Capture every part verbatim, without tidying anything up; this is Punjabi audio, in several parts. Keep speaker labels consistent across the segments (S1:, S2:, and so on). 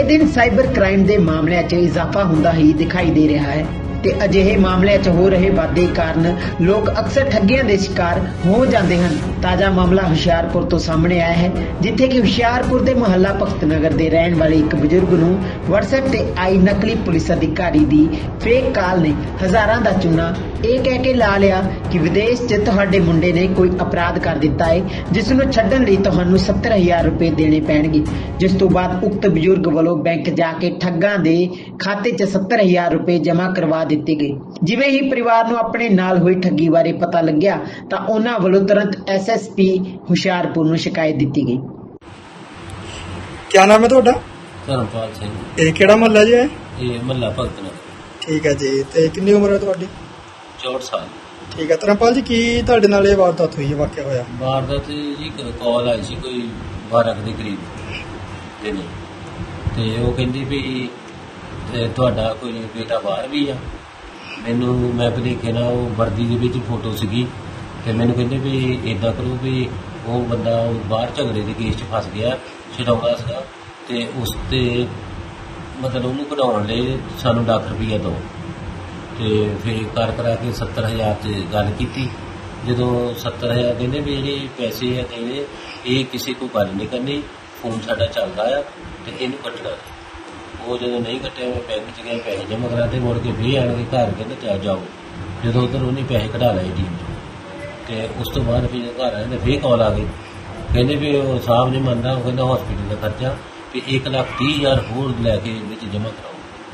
S1: ਆਏ ਦਿਨ ਸਾਈਬਰ ਕ੍ਰਾਈਮ ਦੇ ਮਾਮਲਿਆਂ 'ਚ ਇਜ਼ਾਫਾ ਹੁੰਦਾ ਹੀ ਦਿਖਾਈ ਦੇ ਰਿਹਾ ਹੈ ਤੇ ਅਜਿਹੇ ਮਾਮਲਿਆਂ 'ਚ ਹੋ ਰਹੇ ਵਾਧੇ ਕਾਰਨ ਲੋਕ ਅਕਸਰ ਠੱਗੀਆਂ ਦੇ ਸ਼ਿਕਾਰ ਹੋ ਜਾਂਦੇ ਹਨ। ਤਾਜ਼ਾ ਮਾਮਲਾ ਹੁਸ਼ਿਆਰਪੁਰ ਤੋਂ ਸਾਹਮਣੇ ਆਇਆ ਹੈ, ਜਿੱਥੇ ਕਿ ਹੁਸ਼ਿਆਰਪੁਰ ਦੇ ਮੁਹੱਲਾ ਭਗਤ ਨਗਰ ਦੇ ਰਹਿਣ ਵਾਲੇ ਇੱਕ ਬਜ਼ੁਰਗ ਨੂੰ WhatsApp ਤੇ ਆਈ ਨਕਲੀ ਪੁਲਿਸ ਅਧਿਕਾਰੀ ਦੀ ਫੇਕ ਕਾਲ ਨੇ ਹਜ਼ਾਰਾਂ ਦਾ ਚੂਨਾ ਇਹ ਕਹਿ ਕੇ ਲਾ ਲਿਆ ਕਿ ਵਿਦੇਸ਼ 'ਚ ਤੁਹਾਡੇ ਮੁੰਡੇ ਨੇ ਕੋਈ ਅਪਰਾਧ ਕਰ ਦਿੱਤਾ ਹੈ, ਜਿਸ ਨੂੰ ਛੱਡਣ ਲਈ ਤੁਹਾਨੂੰ ਸੱਤਰ ਹਜ਼ਾਰ ਰੁਪਏ ਦੇਣੇ ਪੈਣਗੇ। ਜਿਸ ਤੋਂ ਬਾਅਦ ਉਕਤ ਬਜ਼ੁਰਗ ਵੱਲੋਂ ਬੈਂਕ ਜਾ ਕੇ ਠੱਗਾਂ ਦੇ ਖਾਤੇ 'ਚ ਸੱਤਰ ਹਜ਼ਾਰ ਰੁਪਏ ਜਮ੍ਹਾਂ ਕਰਵਾ ਦਿੱਤੇ ਗਏ। ਜਿਵੇਂ ਹੀ ਪਰਿਵਾਰ ਨੂੰ ਆਪਣੇ ਨਾਲ ਹੋਈ ਠੱਗੀ ਬਾਰੇ ਪਤਾ ਲੱਗਿਆ ਤਾਂ ਉਹਨਾਂ ਵੱਲੋਂ ਤੁਰੰਤ ਐਸ ਐਸ ਪੀ ਹੁਸ਼ਿਆਰਪੁਰ ਨੂੰ ਸ਼ਿਕਾਇਤ ਦਿੱਤੀ ਗਈ।
S2: क्या नाम है ਤੁਹਾਡਾ?
S3: ਧਰਮਪਾਲ ਸਿੰਘ।
S2: ਇਹ ਕਿਹੜਾ ਮਹੱਲਾ ਜੀ ਹੈ?
S3: ਇਹ ਮਹੱਲਾ ਭਗਤ ਨਗਰ।
S2: ਠੀਕ ਹੈ ਜੀ। ਤੇ ਕਿੰਨੀ ਉਮਰ ਹੈ ਤੁਹਾਡੀ?
S3: ਚੌਂਹਠ ਸਾਲ।
S2: ਠੀਕ ਹੈ। ਧਰਮਪਾਲ ਜੀ, ਕੀ ਤੁਹਾਡੇ ਨਾਲ ਇਹ ਵਾਰਦਾਤ ਹੋਈ ਹੈ, ਵਾਕਿਆ ਹੋਇਆ?
S3: ਵਾਰਦਾਤ ਜੀ ਕਾਲ ਆਈ ਸੀ ਕੋਈ ਬਾਰਾਂ ਕੁ ਦੇ ਕਰੀਬ ਦਿਨੇ, ਤੇ ਉਹ ਕਹਿੰਦੀ ਵੀ ਤੇ ਤੁਹਾਡਾ ਕੋਈ ਬੇਟਾ ਬਾਹਰ ਵੀ ਆ। ਮੈਨੂੰ ਮੈਂ ਭਲੇਖੇ ਨਾਲ ਉਹ ਵਰਦੀ ਦੇ ਵਿੱਚ ਫੋਟੋ ਸੀਗੀ, ਤੇ ਮੈਨੂੰ ਕਹਿੰਦੇ ਵੀ ਇੱਦਾਂ ਕਰੋ ਵੀ ਉਹ ਬੰਦਾ ਬਾਹਰ ਝਗੜੇ ਦੇ ਕੇਸ 'ਚ ਫਸ ਗਿਆ, ਛਡਾਉਂਦਾ ਸੀਗਾ, ਤੇ ਉਸ 'ਤੇ ਮਤਲਬ ਉਹਨੂੰ ਕਢਾਉਣ ਲਈ ਸਾਨੂੰ ਲੱਖ ਰੁਪਈਆ ਦਿਓ। ਤੇ ਫਿਰ ਕਰ ਕਰਾ ਕੇ ਸੱਤਰ ਹਜ਼ਾਰ 'ਤੇ ਗੱਲ ਕੀਤੀ। ਜਦੋਂ ਸੱਤਰ ਹਜ਼ਾਰ ਕਹਿੰਦੇ ਵੀ ਜਿਹੜੇ ਪੈਸੇ ਆ ਦੇਣੇ, ਇਹ ਕਿਸੇ ਕੋਈ ਗੱਲ ਨਹੀਂ ਕਰਨੀ, ਫੋਨ ਸਾਡਾ ਚੱਲਦਾ ਆ ਤੇ ਇਹਨੂੰ ਕੱਟਣਾ। ਉਹ ਜਦੋਂ ਨਹੀਂ ਕੱਟਿਆ, ਮੈਂ ਬੈਂਕ 'ਚ ਗਿਆ, ਪੈਸੇ ਜਮ੍ਹਾਂ ਕਰਾਤੇ, ਮੁੜ ਕੇ ਫਿਰ ਆਣ ਕੇ ਘਰ ਕਹਿੰਦੇ ਚੱਲ ਜਾਓ। ਜਦੋਂ ਉੱਧਰ ਉਹਨੇ ਪੈਸੇ ਕਢਾ ਲਏ ਟੀਮ 'ਚ, ਤੇ ਉਸ ਤੋਂ ਬਾਅਦ ਫਿਰ ਘਰ ਆਏ ਤੇ ਫਿਰ ਕਾਲ ਆ ਗਈ, ਕਹਿੰਦੇ ਵੀ ਉਹ ਸਾਹਿਬ ਨਹੀਂ ਮੰਨਦਾ, ਉਹ ਕਹਿੰਦਾ ਹੌਸਪੀਟਲ ਦਾ ਖਰਚਾ ਵੀ ਇੱਕ ਲੱਖ ਤੀਹ ਹਜ਼ਾਰ ਹੋਰ ਲੈ ਕੇ ਵਿੱਚ ਜਮ੍ਹਾਂ ਕਰਾਓ।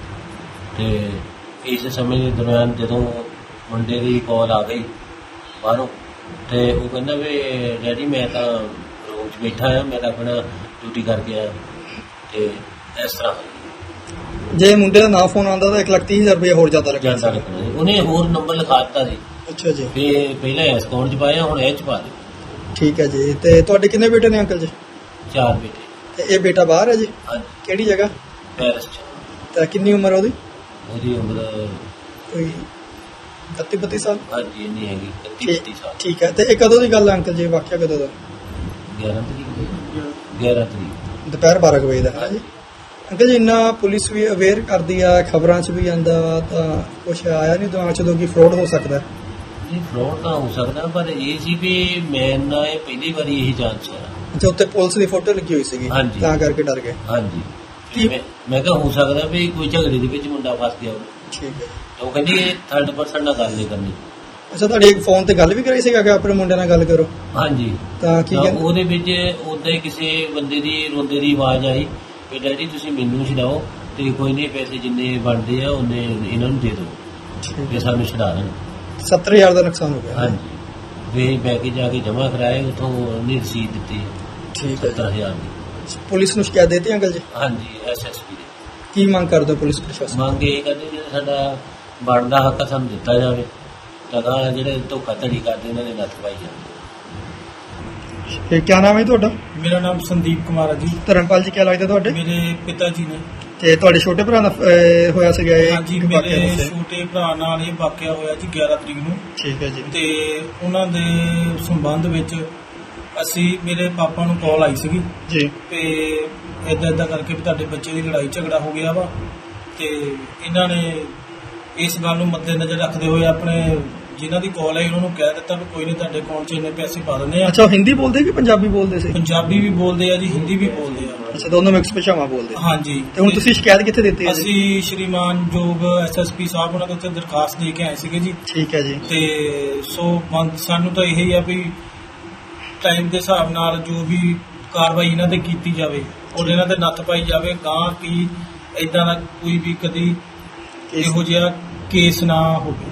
S3: ਤੇ ਇਸ ਸਮੇਂ ਦੇ ਦੌਰਾਨ ਜਦੋਂ ਮੁੰਡੇ ਦੀ ਕਾਲ ਆ ਗਈ ਬਾਹਰੋਂ, ਤੇ ਉਹ ਕਹਿੰਦਾ ਵੀ ਡੈਡੀ ਮੈਂ ਤਾਂ ਰੂਮ 'ਚ ਬੈਠਾ ਆ, ਮੈਂ ਤਾਂ ਆਪਣਾ ਡਿਊਟੀ ਕਰਕੇ ਆਇਆ। ਤੇ ਇਸ ਤਰ੍ਹਾਂ
S2: ਜੇ ਮੁੰਡੇ ਦਾ ਨਾ ਫੋਨ ਆਉਂਦਾ ਤਾਂ ਇੱਕ ਲੱਖ ਤੀਹ ਹਜ਼ਾਰ ਰੁਪਏ ਹੋਰ ਜ਼ਿਆਦਾ ਲੱਗਿਆ
S3: ਜਾਂਦਾ ਲੱਗਣਾ ਸੀ। ਉਹਨੇ ਹੋਰ ਨੰਬਰ ਲਿਖਾ ਦਿੱਤਾ ਸੀ।
S2: ਅੱਛਾ ਜੀ।
S3: ਵੀ ਪਹਿਲਾਂ ਇਸ ਅਕਾਊਂਟ 'ਚ ਪਾਇਆ, ਹੁਣ ਇਹ 'ਚ ਪਾ ਦਿਓ।
S2: ਠੀਕ ਹੈ ਜੀ। ਤੇ ਤੁਹਾਡੇ ਕਿੰਨੇ ਬੇਟੇ ਨੇ ਅੰਕਲ ਜੀ?
S3: ਚਾਰ ਬੇਟੇ।
S2: ਤੇ ਇਹ ਬੇਟਾ ਬਾਹਰ ਹੈ ਜੀ?
S3: ਹਾਂਜੀ,
S2: ਕਿਹੜੀ ਜਗ੍ਹਾ?
S3: ਪੈਰਿਸ 'ਚ।
S2: ਤੇ ਕਿੰਨੀ ਉਮਰ ਹੈ ਉਹਦੀ?
S3: ਉਹਦੀ ਉਮਰ
S2: ਕੋਈ ਇਕੱਤੀ ਬੱਤੀ ਸਾਲ?
S3: ਹਾਂਜੀ ਇੰਨੀ ਹੈਗੀ, ਇਕੱਤੀ
S2: ਠੀਕ
S3: ਬੱਤੀ ਸਾਲ।
S2: ਠੀਕ ਹੈ। ਤੇ ਇਹ ਕਦੋਂ ਦੀ ਗੱਲ ਹੈ ਅੰਕਲ ਜੀ, ਵਾਕਿਆ ਕਦੋਂ ਦਾ?
S3: ਗਿਆਰਾਂ ਤਰੀਕ ਗਿਆਰਾਂ ਤਰੀਕ
S2: ਦੁਪਹਿਰ ਬਾਰਾਂ ਕੁ ਵਜੇ ਦਾ ਹੈ ਜੀ। ਅੰਕਲ ਜੀ, ਇੰਨਾ ਪੁਲਿਸ ਵੀ ਅਵੇਅਰ ਕਰਦੀ ਆ, ਖਬਰਾਂ 'ਚ ਵੀ ਆਉਂਦਾ ਵਾ, ਤਾਂ ਕੁਛ ਆਇਆ ਨਹੀਂ ਦਿਮਾਗ 'ਚ ਉਦੋਂ ਕਿ ਫਰੋਡ ਹੋ ਸਕਦਾ?
S3: ਜੀ ਫਰੋਡ ਤਾਂ ਹੋ ਸਕਦਾ, ਪਰ ਇਹ ਸੀ ਵੀ ਮੈਂ ਨਾ ਇਹ ਪਹਿਲੀ ਵਾਰੀ ਇਹੀ ਜਾਂਚ ਹੋਇਆ।
S2: ਅੱਛਾ, ਉੱਤੇ ਪੁਲਿਸ ਦੀ ਫੋਟੋ ਲੱਗੀ ਹੋਈ ਸੀਗੀ,
S3: ਹਾਂਜੀ।
S2: ਤਾਂ ਕਰਕੇ ਡਰ ਗਏ।
S3: ਹਾਂਜੀ।
S2: ਕੀ-
S3: ਮੈਂ ਮੈਂ ਕਿਹਾ ਹੋ ਸਕਦਾ ਵੀ ਕੋਈ ਝਗੜੇ ਦੇ ਵਿੱਚ ਮੁੰਡਾ ਫਸ ਗਿਆ ਹੋਵੇ।
S2: ਠੀਕ ਹੈ।
S3: ਤਾਂ ਉਹ ਕਹਿੰਦੀ ਇਹ ਥਰਡ ਪਰਸਨ ਨਾਲ ਗੱਲ ਨਹੀਂ ਕਰਨੀ।
S2: ਅੱਛਾ, ਤੁਹਾਡੇ ਇੱਕ ਫੋਨ ਤੇ ਗੱਲ ਵੀ ਕਰਾਈ ਸੀਗਾ ਕਿ ਆਪਣੇ ਮੁੰਡੇ ਨਾਲ ਗੱਲ ਕਰੋ?
S3: ਹਾਂਜੀ।
S2: ਤਾਂ ਕੀ
S3: ਤਾਂ
S2: ਕਹਿੰਦੇ?
S3: ਉਹਦੇ ਵਿੱਚ ਉਦਾਂ ਹੀ ਕਿਸੇ ਬੰਦੇ ਦੀ ਰੋਂਦੇ ਦੀ ਆਵਾਜ਼ ਆਈ ਵੀ ਡੈਡੀ ਤੁਸੀਂ ਮੈਨੂੰ ਛਡਾਓ, ਤੇ ਕੋਈ ਨਹੀਂ ਪੈਸੇ ਜਿੰਨੇ ਬਣਦੇ ਆ ਉਹਨੇ ਇਹਨਾਂ ਨੂੰ ਦੇ ਦਿਓ,
S2: ਠੀਕ
S3: ਵੀ
S2: ਹੈ।
S3: ਸਾਨੂੰ ਛਡਾ ਦੇਣ।
S2: ਸੱਤਰ ਹਜ਼ਾਰ ਦਾ ਨੁਕਸਾਨ ਹੋ ਗਿਆ।
S3: ਹਾਂਜੀ। ਵੀ ਬੈਂਕ ਜਾ ਕੇ ਜਮ੍ਹਾਂ ਕਰਾਏ, ਉੱਥੋਂ ਉਹਨੇ ਰਸੀਦ ਦਿੱਤੀ
S2: ਠੀਕ ਹੈ।
S3: ਸੱਤਰ ਹਜ਼ਾਰ ਦੀ।
S2: ਪੁਲਿਸ ਨੂੰ ਸ਼ਿਕਾਇਤ ਦੇਤੀ ਅੰਕਲ ਜੀ?
S3: ਹਾਂਜੀ, ਐਸ ਐਸ ਪੀ ਦੇ।
S2: ਕੀ ਮੰਗ ਕਰਦੇ ਹੋ ਪੁਲਿਸ ਪ੍ਰਸ਼ਾਸਨ?
S3: ਮੰਗ ਇਹ ਕਰਦੇ ਜਿਹੜਾ ਸਾਡਾ ਬਣਦਾ ਹੱਕ ਆ ਸਾਨੂੰ ਦਿੱਤਾ ਜਾਵੇ, ਤਾਂ ਜਿਹੜੇ ਧੋਖਾਧੜੀ ਕਰਦੇ ਉਹਨਾਂ ਦੇ ਨੱਥ ਪਾਈ ਜਾਵੇ।
S2: ਇਹ ਕੀ ਨਾਮ ਹੈ ਤੁਹਾਡਾ?
S4: ਮੇਰਾ ਨਾਮ ਸੰਦੀਪ ਕੁਮਾਰ ਹੈ ਜੀ।
S2: ਧਰਮਪਾਲ ਜੀ, ਕੀ ਲੱਗਦਾ ਤੁਹਾਡੇ?
S4: ਮੇਰੇ ਪਿਤਾ ਜੀ ਨੇ।
S2: ਤੇ ਤੁਹਾਡੇ ਛੋਟੇ ਭਰਾ ਦਾ ਅਹ, ਹੋਇਆ ਸੀਗਾ ਇਹ?
S4: ਹਾਂਜੀ,
S2: ਵਾਕਿਆ
S4: ਮੇਰੇ
S2: ਦੱਸਿਆ।
S4: ਛੋਟੇ ਭਰਾ ਨਾਲ ਇਹ ਵਾਕਿਆ ਹੋਇਆ ਜੀ ਗਿਆਰਾਂ ਤਰੀਕ ਨੂੰ।
S2: ਠੀਕ ਹੈ ਜੀ।
S4: ਤੇ ਉਹਨਾਂ ਦੇ ਸੰਬੰਧ ਵਿੱਚ ਅਸੀਂ ਮੇਰੇ ਪਾਪਾ ਨੂੰ ਕਾਲ ਆਈ ਸੀਗੀ
S2: ਜੀ।
S4: ਤੇ ਇਦਾਂ ਇਦਾਂ ਕਰਕੇ ਵੀ ਤੁਹਾਡੇ ਬੱਚੇ ਦੀ ਲੜਾਈ ਝਗੜਾ ਹੋ ਗਿਆ ਵਾ, ਤੇ ਇਹਨਾਂ ਨੇ ਇਸ ਗੱਲ ਨੂੰ ਮੱਦੇਨਜ਼ਰ ਰੱਖਦੇ ਹੋਏ ਆਪਣੇ ਜਿਨ੍ਹਾਂ ਦੀ ਕਾਲ ਆਈ ਉਹਨਾਂ ਨੂੰ ਕਹਿ ਦਿੱਤਾ ਵੀ ਕੋਈ ਨਹੀਂ, ਤੁਹਾਡੇ ਅਕਾਊਂਟ 'ਚ ਇੰਨੇ ਪੈਸੇ ਪਾ ਦਿੰਦੇ ਆ।
S2: ਅੱਛਾ, ਉਹ ਹਿੰਦੀ ਬੋਲਦੇ ਕਿ ਪੰਜਾਬੀ ਬੋਲਦੇ ਸੀ?
S4: ਪੰਜਾਬੀ ਵੀ ਬੋਲਦੇ ਆ ਜੀ, ਹਿੰਦੀ ਵੀ ਬੋਲਦੇ ਆ।
S2: ਅੱਛਾ, ਦੋਨੋਂ ਮਿਕਸ ਭਾਸ਼ਾਵਾਂ ਬੋਲਦੇ ਆ।
S4: ਹਾਂਜੀ।
S2: ਤੇ ਹੁਣ ਤੁਸੀਂ ਸ਼ਿਕਾਇਤ ਕਿੱਥੇ ਦਿੱਤੀ ਹੈ ਜੀ?
S4: ਅਸੀਂ ਸ਼੍ਰੀਮਾਨ ਜੋਗ ਐਸ ਐਸ ਪੀ ਸਾਹਿਬ ਉਹਨਾਂ ਦੇ ਉੱਤੇ ਦਰਖਾਸਤ ਦੇ ਕੇ ਆਏ ਸੀਗੇ ਜੀ।
S2: ਠੀਕ ਹੈ ਜੀ।
S4: ਤੇ ਸੋ ਮੰਗ- ਸਾਨੂੰ ਤਾਂ ਇਹੀ ਆ ਵੀ ਟਾਈਮ ਦੇ ਹਿਸਾਬ ਨਾਲ ਜੋ ਵੀ ਕਾਰਵਾਈ ਇਹਨਾਂ ਤੇ ਕੀਤੀ ਜਾਵੇ ਔਰ ਇਹਨਾਂ ਤੇ ਨੱਥ ਪਾਈ ਜਾਵੇ, ਗਾਂ ਕੀ ਇਦਾਂ ਦਾ ਕੋਈ ਵੀ ਕਦੀ ਇਹੋ ਜਿਹਾ ਕੇਸ ਨਾ ਹੋਵੇ।